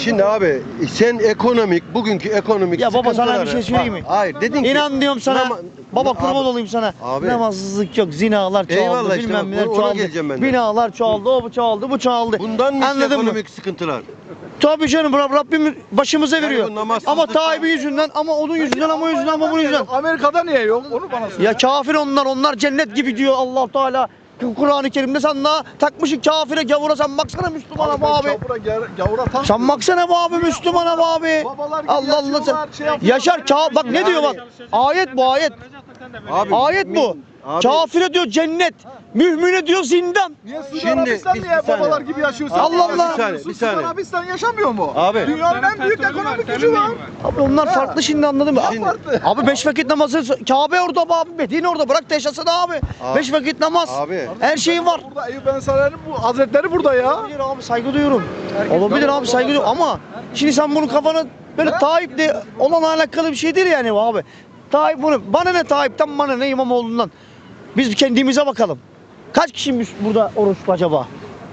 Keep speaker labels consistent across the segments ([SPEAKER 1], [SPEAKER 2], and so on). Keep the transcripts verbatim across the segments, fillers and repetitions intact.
[SPEAKER 1] Şimdi abi sen ekonomik, bugünkü ekonomik
[SPEAKER 2] Ya baba sana bir
[SPEAKER 1] sıkıntıları-
[SPEAKER 2] şey söyleyeyim mi?
[SPEAKER 1] Bak, hayır dedin ki.
[SPEAKER 2] İnan diyorum sana.
[SPEAKER 1] Nama-
[SPEAKER 2] Baba
[SPEAKER 1] Abi-
[SPEAKER 2] kurban olayım sana.
[SPEAKER 1] Abi.
[SPEAKER 2] Namazsızlık yok, zinalar çoğaldı,
[SPEAKER 1] Eyvallah işte
[SPEAKER 2] bilmem
[SPEAKER 1] bak,
[SPEAKER 2] neler
[SPEAKER 1] ona
[SPEAKER 2] çoğaldı.
[SPEAKER 1] geleceğim ben de.
[SPEAKER 2] Binalar çoğaldı, o bu çoğaldı, bu çoğaldı.
[SPEAKER 1] Bundan mı işte
[SPEAKER 2] Anladın mı?
[SPEAKER 1] ekonomik sıkıntılar?
[SPEAKER 2] Tabii canım, Rab- Rabbim başımıza
[SPEAKER 1] Yani
[SPEAKER 2] veriyor.
[SPEAKER 1] bu namazsızlık-
[SPEAKER 2] Ama Tayyip'in yüzünden, ama onun yüzünden, ama yüzünden, ama bunun yüzünden.
[SPEAKER 3] Amerika'da niye yok? Onu bana söyle.
[SPEAKER 2] Ya kafir onlar, onlar cennet gibi diyor Allah Teala. Kur'an-ı Kerim'de sen daha takmışsın kafire, gavura, sen baksana Müslümana bu abi.
[SPEAKER 3] Gavura, gavura, gavura tam.
[SPEAKER 2] Sen baksana bu abi, Müslümana bu abi.
[SPEAKER 3] Babalar gibi
[SPEAKER 2] Allah Allah sen.
[SPEAKER 3] yaşıyorlar, şey yapıyorlar.
[SPEAKER 2] Yaşar ka bak ne diyor bak. Ayet bu ayet.
[SPEAKER 1] Abi,
[SPEAKER 2] Ayet bu.
[SPEAKER 1] Abi-
[SPEAKER 2] Kafire diyor cennet. Mühmine diyor zindan.
[SPEAKER 3] Niye Suudi
[SPEAKER 1] Şimdi
[SPEAKER 3] Arabistan
[SPEAKER 1] bir-
[SPEAKER 3] niye
[SPEAKER 1] bir saniye.
[SPEAKER 3] babalar gibi yaşıyor? Sen
[SPEAKER 2] Allah
[SPEAKER 3] niye
[SPEAKER 2] Allah.
[SPEAKER 3] yaşamıyorsun?
[SPEAKER 1] Bir saniye, bir
[SPEAKER 3] Suudi
[SPEAKER 1] saniye.
[SPEAKER 3] Arabistan yaşamıyor mu?
[SPEAKER 1] Abi.
[SPEAKER 3] Dünyanın en büyük ekonomik gücü var.
[SPEAKER 2] Abi onlar farklı şimdi, anladın mı?
[SPEAKER 1] Şimdi-
[SPEAKER 3] Farklı.
[SPEAKER 2] Abi beş vakit namazı, Kabe orada abi, Medine orada, bırak da yaşasın abi.
[SPEAKER 1] Abi-
[SPEAKER 2] Beş vakit namaz.
[SPEAKER 1] Abi.
[SPEAKER 2] Her şeyi var.
[SPEAKER 3] Burada Eyüp Ensari'nin bu hazretleri burada ya.
[SPEAKER 2] Olabilir abi, saygı duyuyorum. Olabilir abi, saygı duyuyorum ama şimdi sen bunu kafana böyle Tayyip'le olan alakalı bir şey değil yani bu abi. Tayyip bunu, bana ne Tayyip'ten, bana ne İmamoğlu'ndan. Biz kendimize bakalım. Kaç kişimiz burada oruçlu acaba?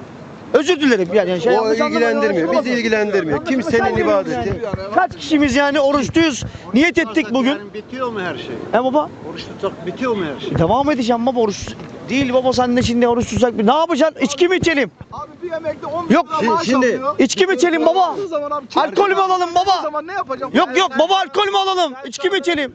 [SPEAKER 2] Özür dilerim yani. Şey
[SPEAKER 1] O
[SPEAKER 2] yanlış anlamayın,
[SPEAKER 1] ilgilendirmiyor.
[SPEAKER 2] yanlış
[SPEAKER 1] Bizi ilgilendirmiyor.
[SPEAKER 2] anlamayın.
[SPEAKER 1] Kimsenin
[SPEAKER 2] Sen diyorum
[SPEAKER 1] ibadeti.
[SPEAKER 2] yani. Kaç kişimiz yani oruçluyuz? Niyet ettik bugün.
[SPEAKER 4] Yani bitiyor mu her şey?
[SPEAKER 2] He baba?
[SPEAKER 4] Oruç tutsak bitiyor mu her şey?
[SPEAKER 2] E, devam edeceğim baba, oruç. Değil baba, sen de şimdi oruç tutsak. Ne yapacaksın? İçki mi içelim?
[SPEAKER 3] Abi bir emekli on bin
[SPEAKER 2] Yok,
[SPEAKER 3] lira maaş
[SPEAKER 1] şimdi-
[SPEAKER 3] alıyor.
[SPEAKER 2] İçki mi içelim baba?
[SPEAKER 3] Aldığı zaman abi,
[SPEAKER 2] Alkol mü alalım
[SPEAKER 3] O
[SPEAKER 2] baba?
[SPEAKER 3] zaman ne yapacağım?
[SPEAKER 2] Yok yok baba, alkol mü alalım? İçki mi içelim?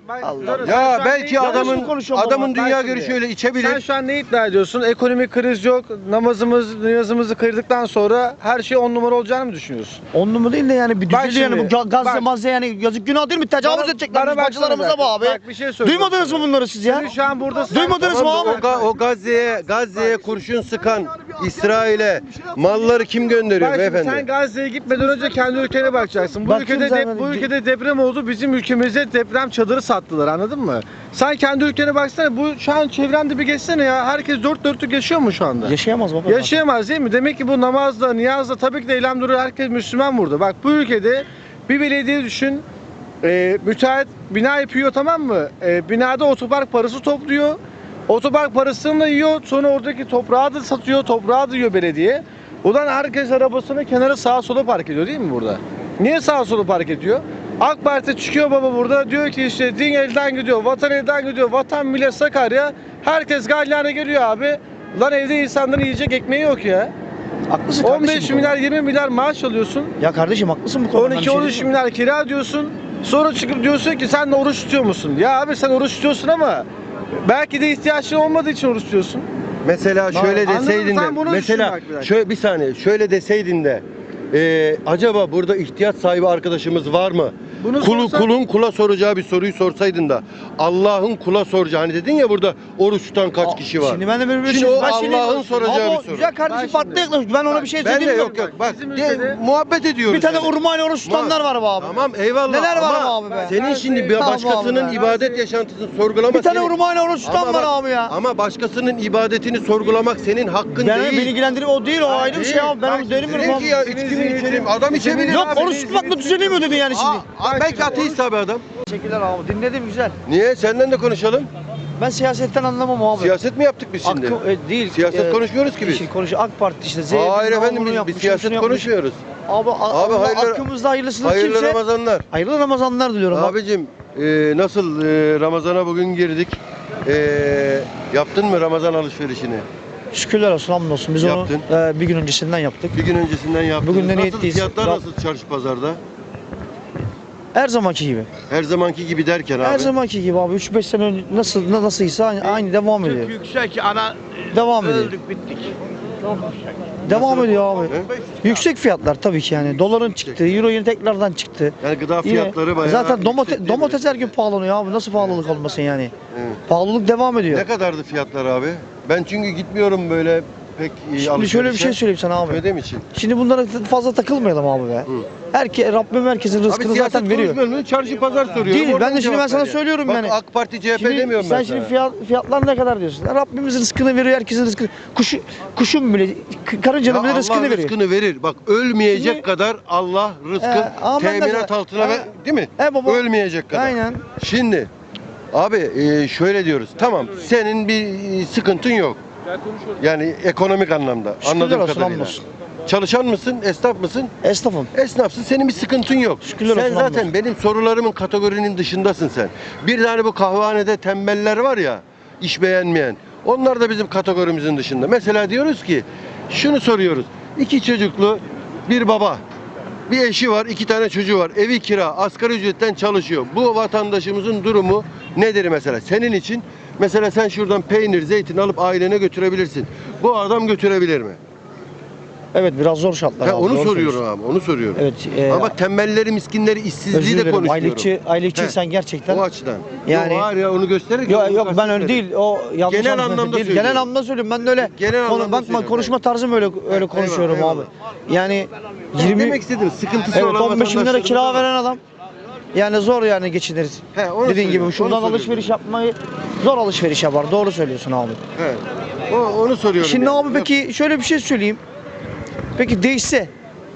[SPEAKER 1] Ya belki
[SPEAKER 2] Yanlış mı
[SPEAKER 1] adamın
[SPEAKER 2] konuşuyorum
[SPEAKER 1] adamın
[SPEAKER 2] baba?
[SPEAKER 1] dünya
[SPEAKER 5] Ben
[SPEAKER 1] görüşü
[SPEAKER 5] şimdi-
[SPEAKER 1] öyle
[SPEAKER 5] Sen
[SPEAKER 1] içebilir.
[SPEAKER 5] şu an ne iddia ediyorsun? Ekonomik kriz yok. Namazımız, niyazımızı kırdıktan sonra her şey on numara olacağını mı düşünüyorsun?
[SPEAKER 2] On numara değil de yani bir
[SPEAKER 5] Bak
[SPEAKER 2] düzeli yani bu
[SPEAKER 5] şimdi,
[SPEAKER 2] ga- gazze
[SPEAKER 5] bak.
[SPEAKER 2] mazze yani yazık günah değil mi? Tecavüz
[SPEAKER 5] Bana-
[SPEAKER 2] edecekler
[SPEAKER 5] bana
[SPEAKER 2] biz
[SPEAKER 5] baksana
[SPEAKER 2] bacılarımıza
[SPEAKER 5] bak.
[SPEAKER 2] bu abi.
[SPEAKER 5] Bak, bir şey söyleyeceğim
[SPEAKER 2] Duymadınız mı
[SPEAKER 5] sana.
[SPEAKER 2] bunları siz ya?
[SPEAKER 5] Senin şu an burada
[SPEAKER 2] Duymadınız mı
[SPEAKER 1] Tamam,
[SPEAKER 2] abi?
[SPEAKER 1] o, ga- o Gazze'ye Gazze'ye kurşun sıkan İsrail'e malları kim gönderiyor
[SPEAKER 5] Bak şimdi
[SPEAKER 1] beyefendi?
[SPEAKER 5] sen Gazze'ye gitmeden önce kendi ülkene bakacaksın. Bu
[SPEAKER 2] Bak
[SPEAKER 5] ülkede
[SPEAKER 2] kimse
[SPEAKER 5] dep-
[SPEAKER 2] vermedi.
[SPEAKER 5] bu ülkede deprem oldu. Bizim ülkemize deprem çadırı sattılar. Anladın mı? Sen kendi ülkene baksana. Bu şu an çevrende bir geçsene ya. Herkes dört dörtlük yaşıyor mu şu anda?
[SPEAKER 2] Yaşayamaz baba.
[SPEAKER 5] Yaşayamaz değil mi? Demek ki bu namazda, niyazda tabii ki de elhamdülillah herkes Müslüman burada. Bak bu ülkede bir belediye düşün. E, müteahhit bina yapıyor, tamam mı? E, binada otopark parası topluyor. Otopark parasını da yiyor. Sonra oradaki toprağı da satıyor. Toprağı da yiyor belediye. Ulan herkes arabasını kenara sağa sola park ediyor değil mi burada? Niye sağa sola park ediyor? AK Parti çıkıyor baba burada, diyor ki işte din elden gidiyor, vatan elden gidiyor, vatan millet Sakarya. Herkes galyana geliyor abi. Lan evde insanların yiyecek ekmeği yok ya.
[SPEAKER 2] Haklısın
[SPEAKER 5] on
[SPEAKER 2] kardeşim
[SPEAKER 5] beş
[SPEAKER 2] bu
[SPEAKER 5] milyar
[SPEAKER 2] konuda.
[SPEAKER 5] yirmi milyar maaş alıyorsun.
[SPEAKER 2] Ya kardeşim haklısın bu konuda.
[SPEAKER 5] on iki on üç milyar kira diyorsun. Sonra çıkıp diyorsun ki sen de oruç tutuyor musun? Ya abi sen oruç tutuyorsun ama belki de ihtiyaçın olmadığı için oruç tutuyorsun.
[SPEAKER 1] Mesela şöyle
[SPEAKER 5] Anladın mı?
[SPEAKER 1] deseydin de
[SPEAKER 5] Sen bunu
[SPEAKER 1] mesela
[SPEAKER 5] düşün bak bir dakika.
[SPEAKER 1] şöyle bir saniye şöyle deseydin de e, acaba burada ihtiyaç sahibi arkadaşımız var mı?
[SPEAKER 5] Bunu
[SPEAKER 1] Kulu,
[SPEAKER 5] sorsan-
[SPEAKER 1] kulun kula soracağı bir soruyu sorsaydın da Allah'ın kula soracağı, hani dedin ya burada oruç tutan kaç
[SPEAKER 2] Aa,
[SPEAKER 1] kişi var?
[SPEAKER 2] Şimdi ben de böyle bir
[SPEAKER 1] Şimdi
[SPEAKER 2] şey-
[SPEAKER 1] o
[SPEAKER 2] ben şimdi-
[SPEAKER 1] Allah'ın soracağı
[SPEAKER 2] Ama
[SPEAKER 1] bir soru.
[SPEAKER 2] güzel kardeşim,
[SPEAKER 5] Bak
[SPEAKER 2] farklı
[SPEAKER 5] şimdi.
[SPEAKER 2] yaklaşık. Ben ona bir şey
[SPEAKER 1] Ben de
[SPEAKER 2] söyleyeyim mi?
[SPEAKER 1] yok yok bak
[SPEAKER 5] Bizim
[SPEAKER 1] de-
[SPEAKER 5] ülkede-
[SPEAKER 1] muhabbet ediyoruz.
[SPEAKER 2] Bir tane
[SPEAKER 1] yani.
[SPEAKER 2] urmayla oruç tutanlar var be abi.
[SPEAKER 1] Tamam eyvallah.
[SPEAKER 2] Neler var
[SPEAKER 1] ama
[SPEAKER 2] abi be?
[SPEAKER 1] Senin şimdi bir
[SPEAKER 2] Tamam
[SPEAKER 1] başkasının
[SPEAKER 2] abi be.
[SPEAKER 1] ibadet yaşantısını sorgulamak
[SPEAKER 2] Bir tane
[SPEAKER 1] senin-
[SPEAKER 2] urmayla oruç tutan
[SPEAKER 1] Ama
[SPEAKER 2] var
[SPEAKER 1] bak-
[SPEAKER 2] abi ya.
[SPEAKER 1] Ama başkasının ibadetini sorgulamak senin hakkın
[SPEAKER 2] Ben
[SPEAKER 1] değil.
[SPEAKER 2] beni ilgilendirmiyor, o değil, o ayrı bir
[SPEAKER 1] Değil.
[SPEAKER 2] şey abi. Ben
[SPEAKER 1] Bak
[SPEAKER 2] onu dönemiyorum
[SPEAKER 1] dedin
[SPEAKER 2] abi.
[SPEAKER 1] ki ya içki mi içelim? Adam içebilir
[SPEAKER 2] Yok
[SPEAKER 1] abi.
[SPEAKER 2] oruç tutmakla düzelemiyor dedi yani şimdi.
[SPEAKER 1] Aa, aa, belki ateist abi adam.
[SPEAKER 2] Teşekkürler abi, dinledim güzel.
[SPEAKER 1] Niye? Senden de konuşalım.
[SPEAKER 2] Ben siyasetten anlamam abi.
[SPEAKER 1] Siyaset mi yaptık biz şimdi?
[SPEAKER 2] Hakkı- e, değil.
[SPEAKER 1] Siyaset konuşmuyoruz ki biz.
[SPEAKER 2] Şimdi konuş AK Parti işte. Z
[SPEAKER 1] Hayır
[SPEAKER 2] bilmem
[SPEAKER 1] efendim
[SPEAKER 2] bunu
[SPEAKER 1] biz,
[SPEAKER 2] yapmış,
[SPEAKER 1] biz
[SPEAKER 2] şunu
[SPEAKER 1] siyaset
[SPEAKER 2] yapmış.
[SPEAKER 1] konuşmuyoruz.
[SPEAKER 2] Abi,
[SPEAKER 1] Abi,
[SPEAKER 2] abi
[SPEAKER 1] hayırlı-
[SPEAKER 2] hakkımızda hayırlısını
[SPEAKER 1] Hayırlı
[SPEAKER 2] kimse.
[SPEAKER 1] Ramazanlar.
[SPEAKER 2] Hayırlı Ramazanlar diliyorum. Abi.
[SPEAKER 1] Abicim e, nasıl e, Ramazan'a bugün girdik? E, yaptın mı Ramazan alışverişini?
[SPEAKER 2] Şükürler olsun, hamdolsun. Biz
[SPEAKER 1] Yaptın.
[SPEAKER 2] onu e, bir gün öncesinden yaptık.
[SPEAKER 1] Bir gün öncesinden yaptın.
[SPEAKER 2] Bugün de
[SPEAKER 1] Nasıl
[SPEAKER 2] niyetliyiz.
[SPEAKER 1] fiyatlar
[SPEAKER 2] Rab-
[SPEAKER 1] nasıl çarşı pazarda?
[SPEAKER 2] Her zamanki gibi.
[SPEAKER 1] Her zamanki gibi derken abi.
[SPEAKER 2] Her zamanki gibi abi. üç beş sene önce nasıl na- nasılsa aynı, aynı devam ediyor.
[SPEAKER 4] Yüksek ana
[SPEAKER 2] Devam ediyor.
[SPEAKER 4] öldük bittik.
[SPEAKER 2] Devam ediyor abi.
[SPEAKER 1] He?
[SPEAKER 2] Yüksek fiyatlar tabii ki yani. Doların çıktı, euro yine tekrardan çıktı.
[SPEAKER 1] Yani gıda
[SPEAKER 2] Yine-
[SPEAKER 1] fiyatları bayağı
[SPEAKER 2] Zaten domate-
[SPEAKER 1] yüksek değil mi?
[SPEAKER 2] domates her gün pahalanıyor abi. Nasıl pahalılık olmasın yani?
[SPEAKER 1] Evet.
[SPEAKER 2] Pahalılık devam ediyor.
[SPEAKER 1] Ne kadardı fiyatlar abi? Ben çünkü gitmiyorum böyle pek iyi
[SPEAKER 2] Şimdi şöyle bir şey
[SPEAKER 1] alışverişe.
[SPEAKER 2] söyleyeyim sana abi.
[SPEAKER 1] Ödem için.
[SPEAKER 2] Şimdi bunlara fazla takılmayalım abi be.
[SPEAKER 1] Hı.
[SPEAKER 2] Herke, Rabbim herkesin rızkını
[SPEAKER 1] siyaset
[SPEAKER 2] zaten veriyor.
[SPEAKER 1] konuşmuyorum, çarşı pazar soruyorum.
[SPEAKER 2] Değil, ben
[SPEAKER 1] oradan
[SPEAKER 2] de şimdi ben
[SPEAKER 1] cevap
[SPEAKER 2] sana
[SPEAKER 1] ver ya.
[SPEAKER 2] söylüyorum
[SPEAKER 1] Bak,
[SPEAKER 2] yani.
[SPEAKER 1] AK Parti C H P
[SPEAKER 2] Şimdi
[SPEAKER 1] demiyorum
[SPEAKER 2] sen
[SPEAKER 1] ben
[SPEAKER 2] şimdi
[SPEAKER 1] sana.
[SPEAKER 2] fiyat, fiyatlar ne kadar diyorsun? Rabbimiz rızkını veriyor, herkesin rızkını. Kuşu, kuşun bile, k- karıncanın
[SPEAKER 1] Ya
[SPEAKER 2] bile
[SPEAKER 1] Allah
[SPEAKER 2] rızkını veriyor.
[SPEAKER 1] rızkını verir. Bak ölmeyecek
[SPEAKER 2] Şimdi-
[SPEAKER 1] kadar Allah rızkı
[SPEAKER 2] He, ama ben de-
[SPEAKER 1] teminat altına
[SPEAKER 2] He.
[SPEAKER 1] ver, değil mi?
[SPEAKER 2] He baba.
[SPEAKER 1] Ölmeyecek kadar.
[SPEAKER 2] Aynen.
[SPEAKER 1] Şimdi abi e, şöyle diyoruz. Tamam senin bir e, sıkıntın yok. Yani ekonomik anlamda.
[SPEAKER 2] Şükürler
[SPEAKER 1] Anladığım
[SPEAKER 2] olsun,
[SPEAKER 1] kadarıyla.
[SPEAKER 2] hamdolsun.
[SPEAKER 1] Çalışan mısın, esnaf mısın?
[SPEAKER 2] Esnafım.
[SPEAKER 1] Esnafsın, senin bir sıkıntın yok.
[SPEAKER 2] Şükürler
[SPEAKER 1] Sen
[SPEAKER 2] olsun,
[SPEAKER 1] zaten
[SPEAKER 2] hamdolsun.
[SPEAKER 1] benim sorularımın kategorinin dışındasın sen. Bir tane bu kahvehanede tembeller var ya, iş beğenmeyen. Onlar da bizim kategorimizin dışında. Mesela diyoruz ki, şunu soruyoruz. İki çocuklu bir baba, bir eşi var, iki tane çocuğu var. Evi kira, asgari ücretten çalışıyor. Bu vatandaşımızın durumu nedir mesela? Senin için mesela sen şuradan peynir, zeytin alıp ailene götürebilirsin. Bu adam götürebilir mi?
[SPEAKER 2] Evet, biraz zor şartlar
[SPEAKER 1] Ha,
[SPEAKER 2] abi.
[SPEAKER 1] onu
[SPEAKER 2] doğru
[SPEAKER 1] soruyorum
[SPEAKER 2] söylüyorsun.
[SPEAKER 1] abi, onu soruyorum.
[SPEAKER 2] Evet. E,
[SPEAKER 1] Ama bak tembelleri, miskinleri,
[SPEAKER 2] özür
[SPEAKER 1] işsizliği de
[SPEAKER 2] dilerim.
[SPEAKER 1] konuşuyorum.
[SPEAKER 2] Aylıkçı, aylıkçı
[SPEAKER 1] He.
[SPEAKER 2] sen gerçekten.
[SPEAKER 1] O açıdan.
[SPEAKER 2] Yani-
[SPEAKER 1] Yok, var ya onu göstererek.
[SPEAKER 2] Yok
[SPEAKER 1] onu
[SPEAKER 2] yok ben öyle
[SPEAKER 1] kastetmedim.
[SPEAKER 2] değil. O yanlış
[SPEAKER 1] Genel
[SPEAKER 2] anlaşılma
[SPEAKER 1] anlamda
[SPEAKER 2] değil.
[SPEAKER 1] söylüyorum.
[SPEAKER 2] Genel anlamda söylüyorum. Ben de öyle
[SPEAKER 1] Genel
[SPEAKER 2] konu,
[SPEAKER 1] anlamda
[SPEAKER 2] bakma
[SPEAKER 1] söylüyorum.
[SPEAKER 2] konuşma tarzım öyle öyle
[SPEAKER 1] Eyvallah,
[SPEAKER 2] konuşuyorum
[SPEAKER 1] eyvallah.
[SPEAKER 2] abi. Yani
[SPEAKER 1] Ben
[SPEAKER 2] yirmi
[SPEAKER 1] demek istedim sıkıntısı
[SPEAKER 2] evet
[SPEAKER 1] olan
[SPEAKER 2] on beş bin lira kira
[SPEAKER 1] vatandaşlarımız var.
[SPEAKER 2] veren adam. Yani zor yani geçiniriz.
[SPEAKER 1] He, onu
[SPEAKER 2] Dediğin gibi
[SPEAKER 1] söylüyorum,
[SPEAKER 2] şuradan
[SPEAKER 1] onu
[SPEAKER 2] alışveriş
[SPEAKER 1] söylüyorum.
[SPEAKER 2] yapmayı zor alışveriş yapar. Doğru söylüyorsun abi.
[SPEAKER 1] He. O, onu soruyorum.
[SPEAKER 2] Şimdi
[SPEAKER 1] yani.
[SPEAKER 2] abi peki şöyle bir şey söyleyeyim. Peki değişse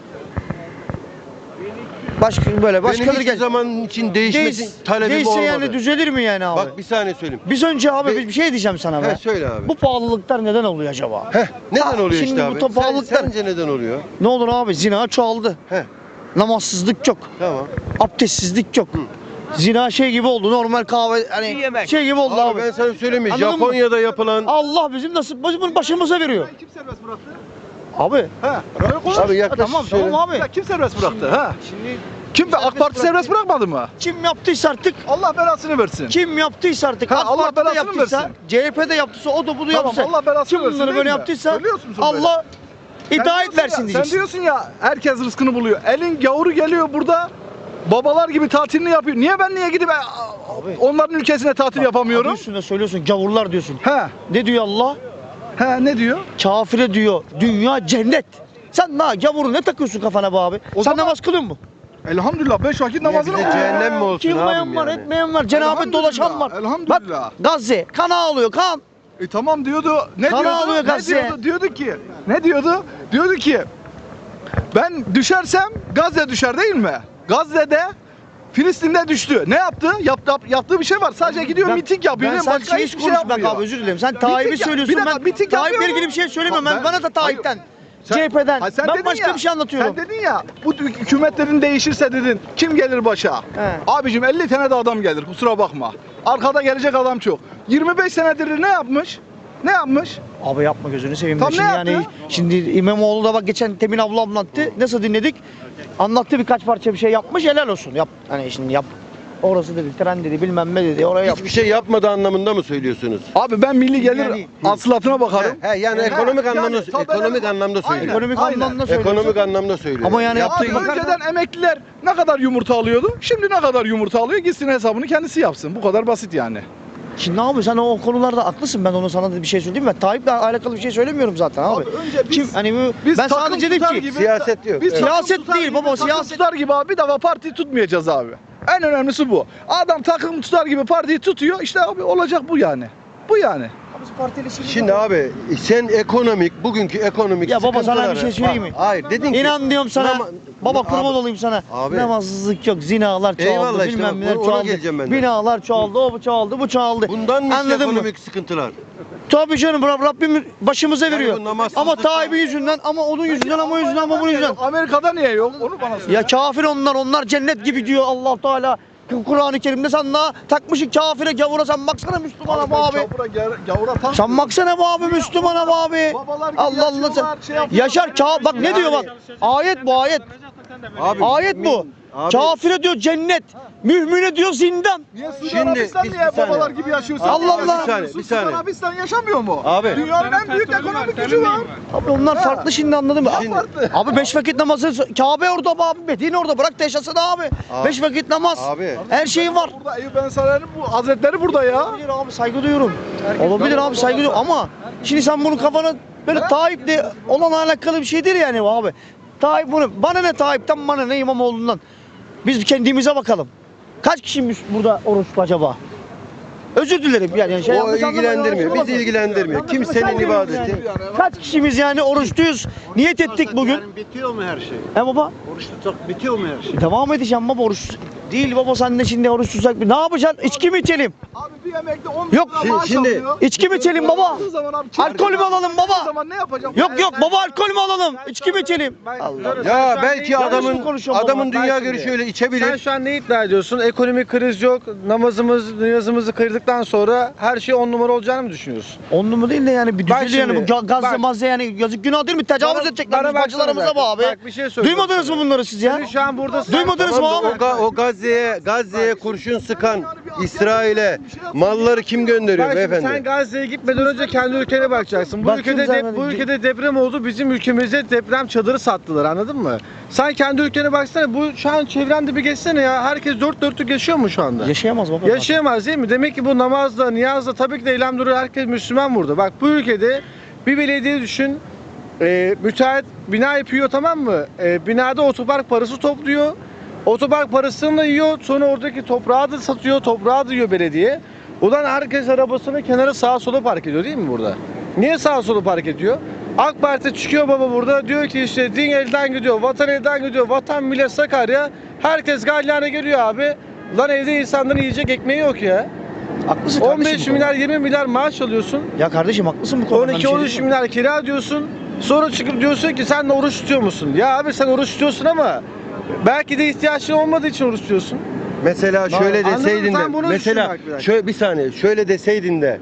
[SPEAKER 2] başka böyle
[SPEAKER 1] Yok,
[SPEAKER 2] başkaları
[SPEAKER 1] benim hiçbir
[SPEAKER 2] gel.
[SPEAKER 1] zaman için değişmesi
[SPEAKER 2] Değiş,
[SPEAKER 1] talebim
[SPEAKER 2] değişse
[SPEAKER 1] olmadı.
[SPEAKER 2] yani düzelir mi yani abi?
[SPEAKER 1] Bak bir saniye söyleyeyim.
[SPEAKER 2] Biz önce abi
[SPEAKER 1] Be-
[SPEAKER 2] bir bir şey diyeceğim sana
[SPEAKER 1] He,
[SPEAKER 2] be.
[SPEAKER 1] söyle abi.
[SPEAKER 2] Bu pahalılıklar neden oluyor acaba?
[SPEAKER 1] Heh, neden
[SPEAKER 2] Ha,
[SPEAKER 1] oluyor
[SPEAKER 2] şimdi
[SPEAKER 1] işte
[SPEAKER 2] bu
[SPEAKER 1] abi?
[SPEAKER 2] topallıklar-
[SPEAKER 1] Sen, sence neden oluyor?
[SPEAKER 2] Ne olur abi zina çoğaldı.
[SPEAKER 1] Heh,
[SPEAKER 2] Namazsızlık çok.
[SPEAKER 1] tamam.
[SPEAKER 2] Abdestsizlik çok. Zina şey gibi oldu. Normal kahve hani şey gibi oldu
[SPEAKER 1] Abi,
[SPEAKER 2] abi.
[SPEAKER 1] ben sana söyleyeyim mi?
[SPEAKER 2] Anladın mı?
[SPEAKER 1] Japonya'da yapılan...
[SPEAKER 2] Allah bizim nasıl bizim başımıza veriyor.
[SPEAKER 3] Kim serbest bıraktı?
[SPEAKER 2] Abi.
[SPEAKER 3] Ha. Öyle konuş.
[SPEAKER 1] Abi yaklaş
[SPEAKER 2] Tamam
[SPEAKER 1] şöyle.
[SPEAKER 2] tamam abi.
[SPEAKER 3] Ya kim serbest bıraktı? Ha.
[SPEAKER 2] Şimdi
[SPEAKER 3] Kim be? AK Parti serbest bırakmadı mı?
[SPEAKER 2] kim yaptıysa artık
[SPEAKER 3] Allah belasını versin.
[SPEAKER 2] kim yaptıysa artık
[SPEAKER 3] Ha,
[SPEAKER 2] AK
[SPEAKER 3] Allah
[SPEAKER 2] Parti'de
[SPEAKER 3] belasını
[SPEAKER 2] yaptıysa,
[SPEAKER 3] versin.
[SPEAKER 2] C H P'de yaptıysa, o da bunu
[SPEAKER 3] Tamam,
[SPEAKER 2] yapsa.
[SPEAKER 3] Allah belasını
[SPEAKER 2] kim
[SPEAKER 3] versin
[SPEAKER 2] bunları
[SPEAKER 3] değil
[SPEAKER 2] böyle
[SPEAKER 3] mi?
[SPEAKER 2] yaptıysa
[SPEAKER 3] Söylüyorsun musun böyle?
[SPEAKER 2] Allah
[SPEAKER 3] Sen
[SPEAKER 2] hidayet
[SPEAKER 3] diyorsun ya-
[SPEAKER 2] versin
[SPEAKER 3] Sen
[SPEAKER 2] diyeceksin.
[SPEAKER 3] diyorsun ya herkes rızkını buluyor. Elin gavuru geliyor burada. Babalar gibi tatilini yapıyor. Niye ben niye gidip e, onların ülkesine tatil
[SPEAKER 2] Adı
[SPEAKER 3] yapamıyorum?
[SPEAKER 2] üstünde söylüyorsun gavurlar diyorsun.
[SPEAKER 3] He.
[SPEAKER 2] Ne diyor Allah?
[SPEAKER 3] He ne diyor?
[SPEAKER 2] Kafire diyor dünya cennet. Sen ne gavuru ne takıyorsun kafana be abi?
[SPEAKER 3] O
[SPEAKER 2] Sen
[SPEAKER 3] zaman-
[SPEAKER 2] namaz kılıyor musun?
[SPEAKER 3] Elhamdülillah beş vakit
[SPEAKER 1] Niye
[SPEAKER 3] namazını
[SPEAKER 1] bize cehennem mi olsun
[SPEAKER 2] Kılmayan
[SPEAKER 1] abim
[SPEAKER 2] var,
[SPEAKER 1] yani?
[SPEAKER 2] etmeyen var, cenabet
[SPEAKER 3] Elhamdülillah,
[SPEAKER 2] dolaşan var.
[SPEAKER 3] elhamdülillah.
[SPEAKER 2] Bak Gazze kan ağlıyor kan.
[SPEAKER 3] E tamam diyordu. Ne
[SPEAKER 2] Kan
[SPEAKER 3] diyordu?
[SPEAKER 2] ağlıyor
[SPEAKER 3] Ne
[SPEAKER 2] Gazze'ye.
[SPEAKER 3] diyordu? Diyordu ki. Ne diyordu? Diyordu ki ben düşersem Gazze düşer değil mi? Gazze'de Filistin'de düştü. Ne yaptı? Yaptı, yaptığı bir şey var. Sadece gidiyor
[SPEAKER 2] Ben-
[SPEAKER 3] miting yapıyor.
[SPEAKER 2] Ben
[SPEAKER 3] değil mi?
[SPEAKER 2] sen
[SPEAKER 3] Başka
[SPEAKER 2] şey
[SPEAKER 3] hiçbir şey
[SPEAKER 2] konuş bak
[SPEAKER 3] yapmıyor.
[SPEAKER 2] abi özür dilerim. Sen
[SPEAKER 3] Miting
[SPEAKER 2] Tayyip'i
[SPEAKER 3] ya-
[SPEAKER 2] söylüyorsun.
[SPEAKER 3] bir dakika,
[SPEAKER 2] Ben
[SPEAKER 3] miting
[SPEAKER 2] Tayyip'le
[SPEAKER 3] yapıyor
[SPEAKER 2] ilgili
[SPEAKER 3] mu?
[SPEAKER 2] bir şey söylemiyorum.
[SPEAKER 3] Bak
[SPEAKER 2] Ben,
[SPEAKER 3] ben-
[SPEAKER 2] bana da Tayyip'ten.
[SPEAKER 3] Sen-
[SPEAKER 2] C H P'den.
[SPEAKER 3] Ha, sen
[SPEAKER 2] Ben
[SPEAKER 3] dedin
[SPEAKER 2] başka
[SPEAKER 3] ya-
[SPEAKER 2] bir şey anlatıyorum.
[SPEAKER 3] Sen dedin ya bu hükümetlerin değişirse dedin kim gelir başa?
[SPEAKER 2] He.
[SPEAKER 3] Abicim elli tane de adam gelir kusura bakma. Arkada gelecek adam çok. yirmi beş senedir ne yapmış? Ne yapmış?
[SPEAKER 2] Abi yapma gözünü seveyim.
[SPEAKER 3] Tam ne
[SPEAKER 2] şimdi yani
[SPEAKER 3] yaptı?
[SPEAKER 2] şimdi İmamoğlu da bak geçen Temin abla anlattı. Nasıl dinledik? Anlattı birkaç parça bir şey yapmış. Helal olsun. Yap hani şimdi yap. Orası dedi, tren dedi, bilmem ne dedi. Oraya yap.
[SPEAKER 1] Hiçbir şey yapmadı anlamında mı söylüyorsunuz?
[SPEAKER 3] Abi ben milli gelir
[SPEAKER 2] Yani-
[SPEAKER 3] hasılatına bakarım.
[SPEAKER 1] He, he, yani
[SPEAKER 3] He,
[SPEAKER 1] ekonomik
[SPEAKER 3] yani
[SPEAKER 1] anlamda
[SPEAKER 3] tabii
[SPEAKER 1] ekonomik
[SPEAKER 3] ben-
[SPEAKER 1] anlamda
[SPEAKER 3] Aynen.
[SPEAKER 1] söylüyor.
[SPEAKER 2] Ekonomik
[SPEAKER 3] Aynen.
[SPEAKER 2] anlamda söylüyorsun.
[SPEAKER 1] Ekonomik anlamda söylüyor.
[SPEAKER 2] Ama yani
[SPEAKER 3] Abi
[SPEAKER 2] yaptığı
[SPEAKER 3] önceden emekliler ne kadar yumurta alıyordu? Şimdi ne kadar yumurta alıyor? Gitsin hesabını kendisi yapsın. Bu kadar basit yani.
[SPEAKER 2] Şimdi abi sen o konularda haklısın. Ben onu sana da bir şey söyleyeyim mi? Tayyip'le alakalı bir şey söylemiyorum zaten abi.
[SPEAKER 3] Abi önce biz-
[SPEAKER 2] Kim hani bu
[SPEAKER 3] Biz
[SPEAKER 2] ben
[SPEAKER 3] takım
[SPEAKER 2] sadece dedim
[SPEAKER 3] tutar
[SPEAKER 2] ki
[SPEAKER 3] gibi-
[SPEAKER 1] siyaset yok.
[SPEAKER 3] Biz
[SPEAKER 1] Evet.
[SPEAKER 3] takım
[SPEAKER 2] Siyaset
[SPEAKER 3] tutar
[SPEAKER 2] değil
[SPEAKER 3] gibi,
[SPEAKER 2] baba,
[SPEAKER 3] takım
[SPEAKER 2] siyaset-
[SPEAKER 3] tutar gibi abi bir defa partiyi tutmayacağız abi. En önemlisi bu. Adam takım tutar gibi partiyi tutuyor. İşte abi olacak bu yani. Bu yani.
[SPEAKER 1] Şimdi abi sen ekonomik bugünkü ekonomik
[SPEAKER 2] Ya baba, sana
[SPEAKER 1] sıkıntıları-
[SPEAKER 2] bir şey söyleyeyim mi?
[SPEAKER 1] Bak, hayır dedin ki
[SPEAKER 2] İnan diyorum sana.
[SPEAKER 1] Nama-
[SPEAKER 2] baba
[SPEAKER 1] Abi-
[SPEAKER 2] kurban olayım sana.
[SPEAKER 1] Abi.
[SPEAKER 2] Namazsızlık yok, zinalar çoğaldı,
[SPEAKER 1] Eyvallah işte
[SPEAKER 2] bilmem
[SPEAKER 1] bak,
[SPEAKER 2] neler
[SPEAKER 1] ona
[SPEAKER 2] çoğaldı.
[SPEAKER 1] geleceğim ben de.
[SPEAKER 2] Binalar çoğaldı, o bu çoğaldı, bu çoğaldı.
[SPEAKER 1] bundan mı işte
[SPEAKER 2] Anladın mı?
[SPEAKER 1] ekonomik sıkıntılar?
[SPEAKER 2] Tabii canım Rab- Rabbim başımıza
[SPEAKER 1] Yani
[SPEAKER 2] veriyor.
[SPEAKER 1] bu namazsızlık-
[SPEAKER 2] Ama Tayyip'in yüzünden, ama onun yüzünden, ama o yüzünden, ama bunun yüzünden.
[SPEAKER 3] Amerika'da niye yok? Onu bana söyle.
[SPEAKER 2] Ya kafir onlar, onlar cennet gibi diyor Allah Teala. Kur'an-ı Kerim'de sen daha takmışsın kafire gavura, sen baksana Müslümana bu abi.
[SPEAKER 3] Gavura, gavura, gavura tam-
[SPEAKER 2] Sen baksana bu abi Müslümana bu abi.
[SPEAKER 3] Babalar gibi
[SPEAKER 2] Allah Allah sen.
[SPEAKER 3] yaşıyorlar, şey yapıyorlar.
[SPEAKER 2] Yaşar ka bak ne diyor bak. Ayet bu ayet.
[SPEAKER 1] Abi,
[SPEAKER 2] Ayet bu.
[SPEAKER 1] Abi-
[SPEAKER 2] Kafire diyor cennet. Mühmine diyor zindan.
[SPEAKER 3] Niye Suudi
[SPEAKER 1] Şimdi
[SPEAKER 3] Arabistan
[SPEAKER 1] biz-
[SPEAKER 3] niye
[SPEAKER 1] bir saniye.
[SPEAKER 3] babalar gibi yaşıyor? Sen
[SPEAKER 2] Allah
[SPEAKER 3] niye
[SPEAKER 2] Allah.
[SPEAKER 3] yaşamıyorsun?
[SPEAKER 1] Bir saniye, bir saniye.
[SPEAKER 3] Suudi Arabistan yaşamıyor mu?
[SPEAKER 1] Abi.
[SPEAKER 3] Dünyanın en büyük ekonomik gücü var.
[SPEAKER 2] Abi onlar
[SPEAKER 3] Ha.
[SPEAKER 2] farklı şimdi anladın mı?
[SPEAKER 1] Şimdi-
[SPEAKER 3] Farklı.
[SPEAKER 2] Abi beş vakit namazı Kabe orada be abi. Medine orada, bırak da yaşasın abi.
[SPEAKER 1] Abi.
[SPEAKER 2] Beş vakit namaz.
[SPEAKER 1] Abi.
[SPEAKER 2] Her şey var.
[SPEAKER 3] Burada Eyüp Ensar'ın bu hazretleri burada ya.
[SPEAKER 2] Olabilir abi, saygı duyuyorum. Olabilir abi, saygı duyuyorum ama şimdi sen bunu kafana böyle Tayyip'le olan alakalı bir şey değil yani bu abi. Tayyip bunu, bana ne Tayyip'ten, bana ne İmamoğlu'ndan. Biz kendimize bakalım. Kaç kişiymiş burada oruçlu acaba? Özür dilerim yani. Şey
[SPEAKER 1] O
[SPEAKER 2] yanlış anlama,
[SPEAKER 1] ilgilendirmiyor.
[SPEAKER 2] yanlış
[SPEAKER 1] Bizi
[SPEAKER 2] anlama.
[SPEAKER 1] ilgilendirmiyor.
[SPEAKER 2] Yanlış anlama,
[SPEAKER 1] Kimsenin
[SPEAKER 2] saygı duyuyorum
[SPEAKER 1] ibadeti.
[SPEAKER 2] yani. Kaç kişimiz yani oruçluyuz? Niyet ettik bugün.
[SPEAKER 4] Yani bitiyor mu her şey?
[SPEAKER 2] He baba?
[SPEAKER 4] Oruç tutsak bitiyor mu her şey?
[SPEAKER 2] Devam edeceğim baba oruç. değil baba sen de şimdi oruç tutsak ne yapacaksın? İçki mi içelim?
[SPEAKER 3] Abi bir yemekte on bin
[SPEAKER 2] Yok,
[SPEAKER 3] lira maaş
[SPEAKER 1] şimdi-
[SPEAKER 3] alıyor.
[SPEAKER 2] İçki mi içelim baba?
[SPEAKER 3] Yaptığı zaman abi,
[SPEAKER 2] Alkol mü alalım
[SPEAKER 3] yaptığı
[SPEAKER 2] baba?
[SPEAKER 3] zaman ne yapacağım?
[SPEAKER 2] Yok yok baba alkol mü alalım? İçki mi içelim?
[SPEAKER 5] Ben-
[SPEAKER 2] Allah.
[SPEAKER 5] Sen
[SPEAKER 1] Ya
[SPEAKER 5] şu an
[SPEAKER 1] belki
[SPEAKER 5] ne-
[SPEAKER 2] Yanlış mı
[SPEAKER 1] adamın
[SPEAKER 2] konuşuyorum
[SPEAKER 1] adamın
[SPEAKER 2] baba?
[SPEAKER 1] dünya
[SPEAKER 5] Ben
[SPEAKER 1] görüşü
[SPEAKER 5] şimdi-
[SPEAKER 1] öyle
[SPEAKER 5] Sen
[SPEAKER 1] içebilir.
[SPEAKER 5] şu an ne iddia ediyorsun? Ekonomik kriz yok. Namazımız, niyazımızı kırdıktan sonra her şey on numara olacağını mı düşünüyorsun?
[SPEAKER 2] On numara değil de yani bir
[SPEAKER 5] Bak
[SPEAKER 2] düzeli yani bu
[SPEAKER 5] şimdi,
[SPEAKER 2] ga- gazze
[SPEAKER 5] bak.
[SPEAKER 2] mazze yani yazık günah değil mi? Tecavüz
[SPEAKER 5] Bana-
[SPEAKER 2] edecekler
[SPEAKER 5] bana
[SPEAKER 2] biz
[SPEAKER 5] baksana
[SPEAKER 2] bacılarımıza
[SPEAKER 5] bak.
[SPEAKER 2] bu abi.
[SPEAKER 5] Bak, bir şey söyleyeceğim
[SPEAKER 2] Duymadınız mı
[SPEAKER 5] sana.
[SPEAKER 2] bunları siz ya?
[SPEAKER 5] Senin şu an buradasın.
[SPEAKER 2] Duymadınız mı
[SPEAKER 1] Tamam da
[SPEAKER 2] abi?
[SPEAKER 1] O, Ga- o Gazze'ye Gazze'ye kurşun sıkan İsrail'e malları kim gönderiyor
[SPEAKER 5] Bak şimdi
[SPEAKER 1] beyefendi?
[SPEAKER 5] sen Gazze'ye gitmeden önce kendi ülkene bakacaksın. Bu
[SPEAKER 2] Bak
[SPEAKER 5] ülkede
[SPEAKER 2] şimdi
[SPEAKER 5] de,
[SPEAKER 2] sen-
[SPEAKER 5] bu ülkede deprem oldu. Bizim ülkemize deprem çadırı sattılar. Anladın mı? Sen kendi ülkene baksana. Bu şu an çevrende bir geçsene ya. Herkes dört dörtlük yaşıyor mu şu anda?
[SPEAKER 2] Yaşayamaz baba.
[SPEAKER 5] Yaşayamaz değil mi? Demek ki bu namazda, niyazda tabii ki de eylem duruyor. Herkes Müslüman burada. Bak bu ülkede bir belediye düşün. E, müteahhit bina yapıyor tamam mı? E, binada otopark parası topluyor. Otopark parasını da yiyor. Sonra oradaki toprağı da satıyor. Toprağı da yiyor belediye. Ulan herkes arabasını kenara sağa sola park ediyor değil mi burada? Niye sağa sola park ediyor? AK Parti çıkıyor baba burada diyor ki işte din elden gidiyor, vatan elden gidiyor, vatan millet Sakarya. Herkes galyana geliyor abi. Lan evde insanların yiyecek ekmeği yok ya.
[SPEAKER 2] Haklısın
[SPEAKER 5] on
[SPEAKER 2] kardeşim
[SPEAKER 5] beş
[SPEAKER 2] bu
[SPEAKER 5] milyar yirmi milyar maaş alıyorsun.
[SPEAKER 2] konuda. Ya kardeşim haklısın bu konuda.
[SPEAKER 5] on iki on üç milyar kira diyorsun. Sonra çıkıp diyorsun ki sen de oruç tutuyor musun? Ya abi sen oruç tutuyorsun ama belki de ihtiyacın olmadığı için oruç tutuyorsun.
[SPEAKER 1] Mesela şöyle
[SPEAKER 5] Anladın mı?
[SPEAKER 1] deseydin de
[SPEAKER 5] Sen bunu düşün
[SPEAKER 1] mesela
[SPEAKER 5] bak bir dakika.
[SPEAKER 1] şöyle bir saniye şöyle deseydin de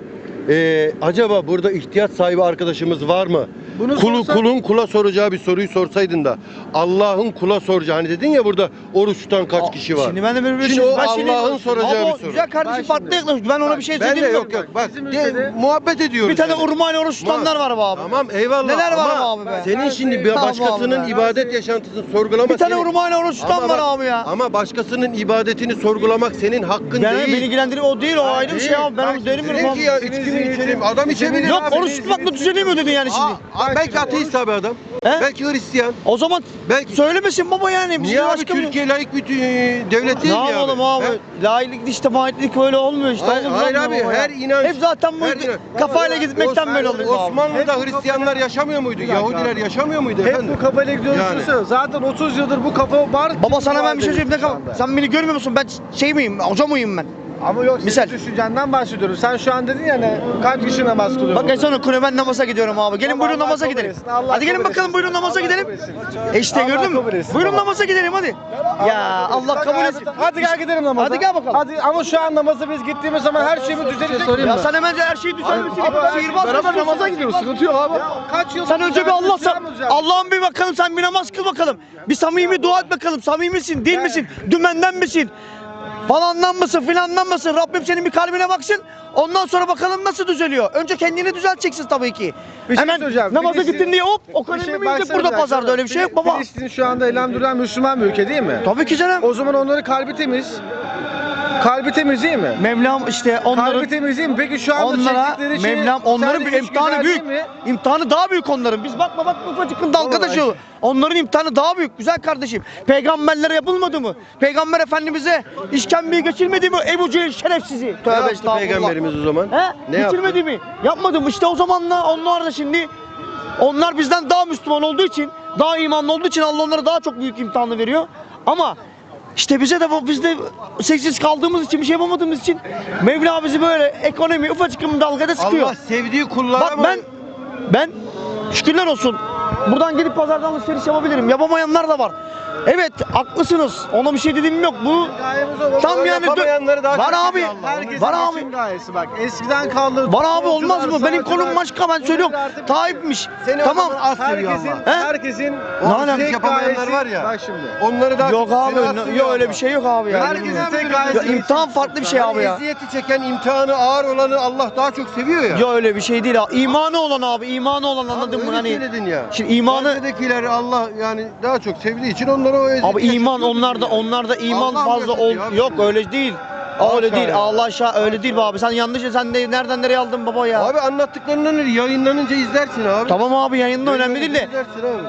[SPEAKER 1] e, acaba burada ihtiyaç sahibi arkadaşımız var mı?
[SPEAKER 5] Bunu
[SPEAKER 1] Kulu,
[SPEAKER 5] sorsan-
[SPEAKER 1] kulun kula soracağı bir soruyu sorsaydın da Allah'ın kula soracağı hani dedin ya burada oruç tutan kaç kişi var?
[SPEAKER 2] Şimdi ben de böyle bir
[SPEAKER 1] Şimdi
[SPEAKER 2] şey-
[SPEAKER 1] o
[SPEAKER 2] ben şimdi-
[SPEAKER 1] Allah'ın soracağı
[SPEAKER 2] Ama
[SPEAKER 1] bir
[SPEAKER 2] o
[SPEAKER 1] soru.
[SPEAKER 2] Güzel kardeşim
[SPEAKER 5] Bak
[SPEAKER 2] farklı
[SPEAKER 5] şimdi-
[SPEAKER 2] yaklaşmış. Ben ona
[SPEAKER 5] Bak,
[SPEAKER 2] bir şey
[SPEAKER 1] Ben de
[SPEAKER 2] söyleyeyim.
[SPEAKER 1] yok yok bak
[SPEAKER 5] Bizim
[SPEAKER 1] de-
[SPEAKER 5] ülkede-
[SPEAKER 1] muhabbet ediyoruz.
[SPEAKER 2] Bir tane
[SPEAKER 1] yani.
[SPEAKER 2] urmayla oruç tutanlar var be abi.
[SPEAKER 1] Tamam eyvallah
[SPEAKER 2] Neler var
[SPEAKER 1] ama
[SPEAKER 2] abi be?
[SPEAKER 1] senin şimdi bir
[SPEAKER 2] Tamam
[SPEAKER 1] başkasının
[SPEAKER 2] abi be.
[SPEAKER 1] ibadet yaşantısını sorgulamak
[SPEAKER 2] Bir tane
[SPEAKER 1] senin-
[SPEAKER 2] urmayla oruç tutan
[SPEAKER 1] Ama
[SPEAKER 2] var
[SPEAKER 1] bak-
[SPEAKER 2] abi ya.
[SPEAKER 1] Ama başkasının ibadetini sorgulamak senin hakkın
[SPEAKER 2] Ben,
[SPEAKER 1] değil.
[SPEAKER 2] beni ilgilendirir o değil o ayrı bir şey abi. Ben
[SPEAKER 1] Bak,
[SPEAKER 2] onu derim
[SPEAKER 1] dedin
[SPEAKER 2] abi.
[SPEAKER 1] ki ya içki mi içelim? Adam içebilir.
[SPEAKER 2] Yok
[SPEAKER 1] abi.
[SPEAKER 2] oruç tutmakla düzeliyor mu dedin yani şimdi?
[SPEAKER 1] Aa, aa, belki ateist abi adam.
[SPEAKER 2] He?
[SPEAKER 1] Belki Hristiyan.
[SPEAKER 2] O zaman
[SPEAKER 1] Belki
[SPEAKER 2] söylemesin baba yani. Biz
[SPEAKER 1] Niye abi
[SPEAKER 2] başka bir-
[SPEAKER 1] Türkiye layık bir tü- devlet
[SPEAKER 2] Ne
[SPEAKER 1] değil mi abi?
[SPEAKER 2] yapalım abi?
[SPEAKER 1] He?
[SPEAKER 2] Laiklik işte maitlik öyle olmuyor işte.
[SPEAKER 1] Hayır,
[SPEAKER 2] Oğlum,
[SPEAKER 1] hayır
[SPEAKER 2] yapma
[SPEAKER 1] abi
[SPEAKER 2] baba ya.
[SPEAKER 1] her inanç.
[SPEAKER 2] Hep zaten bu
[SPEAKER 1] her inanç.
[SPEAKER 2] kafayla gitmekten
[SPEAKER 1] Os-
[SPEAKER 2] böyle oluyor abi.
[SPEAKER 1] Osmanlı'da
[SPEAKER 5] Hep bu
[SPEAKER 1] Hristiyanlar yaşamıyor muydu?
[SPEAKER 5] dakika
[SPEAKER 1] Yahudiler
[SPEAKER 5] abi.
[SPEAKER 1] yaşamıyor muydu
[SPEAKER 5] Hep
[SPEAKER 1] efendim?
[SPEAKER 5] bu kafayla gidiyorsun.
[SPEAKER 1] Yani.
[SPEAKER 5] Zaten otuz yıldır bu kafa var.
[SPEAKER 2] Baba sana ben bir şey söyleyeyim. Ne
[SPEAKER 5] Şu
[SPEAKER 2] kal-
[SPEAKER 5] anda.
[SPEAKER 2] Sen beni görmüyor musun? Ben şey miyim? Hoca mıyım ben?
[SPEAKER 5] Ama yok
[SPEAKER 2] Misal.
[SPEAKER 5] senin düşüncenden bahsediyorum. Sen şu an dedin ya ne kaç kişi namaz kılıyor?
[SPEAKER 2] Bak
[SPEAKER 5] burada?
[SPEAKER 2] en sonra kule ben namaza gidiyorum abi. Gelin
[SPEAKER 5] Tamam,
[SPEAKER 2] buyurun
[SPEAKER 5] Allah
[SPEAKER 2] namaza
[SPEAKER 5] kabul
[SPEAKER 2] gidelim.
[SPEAKER 5] etsin, Allah
[SPEAKER 2] Hadi gelin
[SPEAKER 5] kabul
[SPEAKER 2] bakalım
[SPEAKER 5] etsin.
[SPEAKER 2] buyurun namaza
[SPEAKER 5] Allah
[SPEAKER 2] gidelim.
[SPEAKER 5] kabul etsin.
[SPEAKER 2] E işte
[SPEAKER 5] Allah
[SPEAKER 2] gördün mü?
[SPEAKER 5] kabul etsin
[SPEAKER 2] Buyurun
[SPEAKER 5] baba.
[SPEAKER 2] namaza gidelim hadi. Ya Allah
[SPEAKER 5] Bak
[SPEAKER 2] kabul
[SPEAKER 5] abi,
[SPEAKER 2] etsin.
[SPEAKER 5] Hadi gel gidelim namaza.
[SPEAKER 2] Hadi gel bakalım.
[SPEAKER 5] Hadi ama şu an namaza biz gittiğimiz zaman her şeyimiz düzelecek mi?
[SPEAKER 2] Ya sen hemen her şeyi düzelmişsin. Sihirbaz
[SPEAKER 3] Beraber
[SPEAKER 2] mısın?
[SPEAKER 3] namaza gidiyoruz. Sıkıntı yok abi.
[SPEAKER 5] Kaç yıl
[SPEAKER 2] Sen önce bir Allah
[SPEAKER 5] düzelmiş,
[SPEAKER 2] sen,
[SPEAKER 5] düzelmiş.
[SPEAKER 2] Allah'ım bir bakalım sen bir namaz kıl bakalım. Bir samimi dua et bakalım. Samimisin, değil misin? Dümenden misin? Falandan mısın, filandan mısın? Rabbim senin bir kalbine baksın. Ondan sonra bakalım nasıl düzeliyor. Önce kendini düzelteceksin tabii ki.
[SPEAKER 5] Bir şey
[SPEAKER 2] Hemen
[SPEAKER 5] söyleyeceğim.
[SPEAKER 2] namaza
[SPEAKER 5] Filistin-
[SPEAKER 2] gittin diye hop o
[SPEAKER 5] Bir şey
[SPEAKER 2] kadar mı yiyecek
[SPEAKER 5] baksana
[SPEAKER 2] burada
[SPEAKER 5] bir
[SPEAKER 2] pazarda
[SPEAKER 5] dakika.
[SPEAKER 2] öyle bir şey yok baba.
[SPEAKER 5] Filistin şu anda elhamdülillah Müslüman bir ülke değil mi?
[SPEAKER 2] Tabii ki canım.
[SPEAKER 5] O zaman onların kalbi temiz. Kalbi temiz değil mi?
[SPEAKER 2] Mevlam işte onların
[SPEAKER 5] Kalbi temiz değil mi? Peki şu anda
[SPEAKER 2] onlara
[SPEAKER 5] çektikleri şey
[SPEAKER 2] Mevlam onların
[SPEAKER 5] sence
[SPEAKER 2] bir
[SPEAKER 5] hiç
[SPEAKER 2] imtihanı
[SPEAKER 5] güzel
[SPEAKER 2] büyük.
[SPEAKER 5] değil mi?
[SPEAKER 2] İmtihanı daha büyük onların. Biz bakma bak ufacık dalga
[SPEAKER 5] Vallahi
[SPEAKER 2] taşıyor. Onların imtihanı daha büyük güzel kardeşim. Peygamberlere yapılmadı mı? Peygamber Efendimiz'e işkembeyi geçirmedi mi? Ebu Cehil şerefsizi.
[SPEAKER 1] Ne
[SPEAKER 2] Tövbe
[SPEAKER 1] yaptı
[SPEAKER 2] estağfurullah.
[SPEAKER 1] peygamberimiz o zaman?
[SPEAKER 2] He?
[SPEAKER 1] Ne yaptı?
[SPEAKER 2] Geçirmedi mi? Yapmadı mı? İşte o zamanla onlar da şimdi onlar bizden daha Müslüman olduğu için, daha imanlı olduğu için Allah onlara daha çok büyük imtihanı veriyor. Ama işte bize de bu biz de sessiz kaldığımız için bir şey yapamadığımız için Mevla bizi böyle ekonomi ufacık bir dalgada sıkıyor.
[SPEAKER 1] Allah sevdiği kullara
[SPEAKER 2] Bak
[SPEAKER 1] mı?
[SPEAKER 2] ben ben şükürler olsun buradan gidip pazardan alışveriş yapabilirim. Yapamayanlar da var. Evet haklısınız. Ona bir şey dediğim yok. Bu
[SPEAKER 5] Gayemiz o.
[SPEAKER 2] tam
[SPEAKER 1] Öyle
[SPEAKER 2] yani
[SPEAKER 1] yapamayanları daha
[SPEAKER 2] var
[SPEAKER 1] çok
[SPEAKER 2] abi.
[SPEAKER 1] seviyor Allah.
[SPEAKER 5] Herkesin
[SPEAKER 2] Var abi.
[SPEAKER 5] geçim gayesi bak. Eskiden kaldı.
[SPEAKER 2] Var abi olmaz mı?
[SPEAKER 5] futbolcular,
[SPEAKER 2] Benim konum
[SPEAKER 5] sanatçılar,
[SPEAKER 2] başka ben söylüyorum.
[SPEAKER 5] bugün artık-
[SPEAKER 2] Tayyip'miş.
[SPEAKER 1] Seni
[SPEAKER 2] Tamam.
[SPEAKER 1] o zaman az seviyor
[SPEAKER 5] Herkesin,
[SPEAKER 1] Allah.
[SPEAKER 2] He?
[SPEAKER 5] herkesin
[SPEAKER 1] O
[SPEAKER 2] Ne alaka?
[SPEAKER 1] tek yapamayanlar
[SPEAKER 5] gayesi-
[SPEAKER 1] var ya.
[SPEAKER 5] Bak şimdi.
[SPEAKER 1] Onları daha
[SPEAKER 2] Yok
[SPEAKER 1] çok
[SPEAKER 2] abi.
[SPEAKER 1] seni az
[SPEAKER 2] ne-
[SPEAKER 1] seviyor
[SPEAKER 2] Yok öyle
[SPEAKER 1] Allah.
[SPEAKER 2] bir şey yok abi ya.
[SPEAKER 5] Herkesin
[SPEAKER 2] bilmiyorum.
[SPEAKER 5] tek gayesi.
[SPEAKER 2] Ya imtihan farklı bir şey abi ya.
[SPEAKER 1] Eziyeti çeken imtihanı ağır olanı Allah daha çok seviyor ya.
[SPEAKER 2] Yok öyle bir şey değil abi. İmanı olan abi. imanı olan
[SPEAKER 1] Abi
[SPEAKER 2] anladın mı?
[SPEAKER 1] öyle
[SPEAKER 2] Hani
[SPEAKER 1] söyledin ya.
[SPEAKER 2] şimdi imanı
[SPEAKER 1] Gazze'dekileri Allah yani daha çok sevdiği için onlara o eziyeti
[SPEAKER 2] abi iman
[SPEAKER 1] yaşatıyor
[SPEAKER 2] onlarda
[SPEAKER 1] yani.
[SPEAKER 2] onlarda iman
[SPEAKER 1] Allah
[SPEAKER 2] fazla ol
[SPEAKER 1] yaşatıyor abi
[SPEAKER 2] yok
[SPEAKER 1] şimdi.
[SPEAKER 2] öyle değil.
[SPEAKER 1] Haşa
[SPEAKER 2] Öyle değil.
[SPEAKER 1] ya.
[SPEAKER 2] Allah aşağı öyle değil be abi. Sen yanlış sen de nereden nereye aldın baba ya?
[SPEAKER 1] Abi anlattıklarından yayınlanınca izlersin abi.
[SPEAKER 2] Tamam abi yayında önemli değil de.
[SPEAKER 1] İzlersin abi.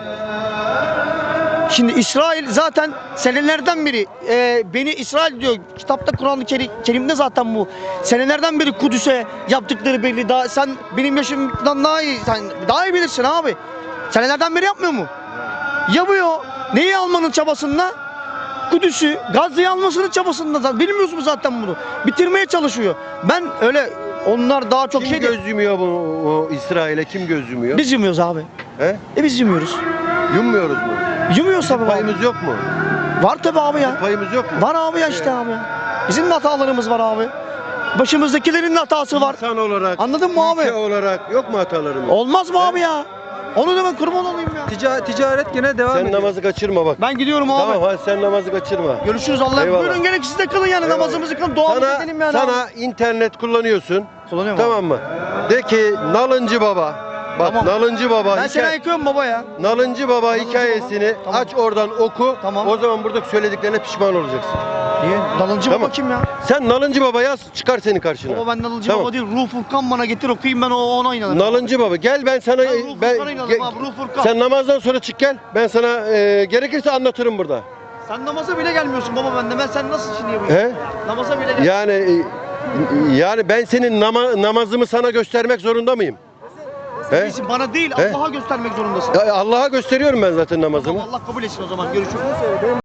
[SPEAKER 2] Şimdi İsrail zaten senelerden beri e, beni İsrail diyor. Kitapta Kur'an-ı Kerim- Kerim'de zaten bu. Senelerden beri Kudüs'e yaptıkları belli. Daha sen benim yaşımdan daha iyi sen daha iyi bilirsin abi. Senelerden beri yapmıyor mu? Yapıyor. Neyi almanın çabasında? Kudüs'ü, Gazze'yi almasının çabasında zaten. Bilmiyorsun mu zaten bunu? Bitirmeye çalışıyor. Ben öyle onlar daha çok
[SPEAKER 1] Kim
[SPEAKER 2] şey değil.
[SPEAKER 1] göz yumuyor bu, bu İsrail'e? Kim göz yumuyor?
[SPEAKER 2] Biz yumuyoruz abi.
[SPEAKER 1] He?
[SPEAKER 2] E biz yumuyoruz.
[SPEAKER 1] Yummuyoruz mu?
[SPEAKER 2] Yumuyoruz tabii abi.
[SPEAKER 1] Payımız yok mu?
[SPEAKER 2] Var tabii abi ya.
[SPEAKER 1] Payımız yok mu?
[SPEAKER 2] Var abi ya işte abi. Bizim de hatalarımız var abi. Başımızdakilerin de hatası var.
[SPEAKER 1] İnsan olarak,
[SPEAKER 2] Anladın mı abi?
[SPEAKER 1] ülke olarak yok mu hatalarımız?
[SPEAKER 2] Olmaz mı abi ya? Onu da ben kurban olayım ya.
[SPEAKER 6] Tica- ticaret gene devam
[SPEAKER 1] Sen
[SPEAKER 6] ediyor.
[SPEAKER 1] namazı kaçırma bak.
[SPEAKER 2] Ben gidiyorum abi.
[SPEAKER 1] Tamam hadi sen namazı kaçırma.
[SPEAKER 2] Görüşürüz Allah'a.
[SPEAKER 1] Eyvallah.
[SPEAKER 2] Buyurun gelin siz de kılın yani
[SPEAKER 1] Eyvallah.
[SPEAKER 2] namazımızı kılın. Duamızı
[SPEAKER 1] Sana,
[SPEAKER 2] edelim yani.
[SPEAKER 1] sana internet kullanıyorsun.
[SPEAKER 2] Kullanıyorum
[SPEAKER 1] Tamam mı? De ki Nalıncı Baba. Bak
[SPEAKER 2] Tamam.
[SPEAKER 1] Nalıncı Baba.
[SPEAKER 2] Ben seni
[SPEAKER 1] hikaye-
[SPEAKER 2] ayıkıyorum baba ya.
[SPEAKER 1] Nalıncı Baba
[SPEAKER 2] Nalıncı
[SPEAKER 1] hikayesini
[SPEAKER 2] Baba. Tamam.
[SPEAKER 1] aç oradan oku.
[SPEAKER 2] Tamam.
[SPEAKER 1] O zaman buradaki söylediklerine pişman olacaksın.
[SPEAKER 2] Niye? Nalıncı
[SPEAKER 1] Tamam.
[SPEAKER 2] baba kim ya?
[SPEAKER 1] Sen Nalıncı Baba yaz çıkar senin karşına.
[SPEAKER 2] Baba ben Nalıncı
[SPEAKER 1] Tamam.
[SPEAKER 2] baba değil. Ruh Furkan bana getir okuyayım ben o ona inanırım.
[SPEAKER 1] Nalıncı Baba gel ben sana
[SPEAKER 2] Ben Ruh
[SPEAKER 1] ben,
[SPEAKER 2] Furkan'a inanırım
[SPEAKER 1] ge-
[SPEAKER 2] abi. Ruh Furkan.
[SPEAKER 1] sen namazdan sonra çık gel. Ben sana e, gerekirse anlatırım burada.
[SPEAKER 2] Sen namaza bile gelmiyorsun baba bende. Ben sen nasıl şimdi yapayım?
[SPEAKER 1] He?
[SPEAKER 2] Namaza bile gel.
[SPEAKER 1] Yani e, yani ben senin nama, namazımı sana göstermek zorunda mıyım? He?
[SPEAKER 2] Değilsin, bana değil
[SPEAKER 1] He?
[SPEAKER 2] Allah'a göstermek zorundasın.
[SPEAKER 1] Ya Allah'a gösteriyorum ben zaten namazımı.
[SPEAKER 2] Allah kabul etsin o zaman. Görüşürüz.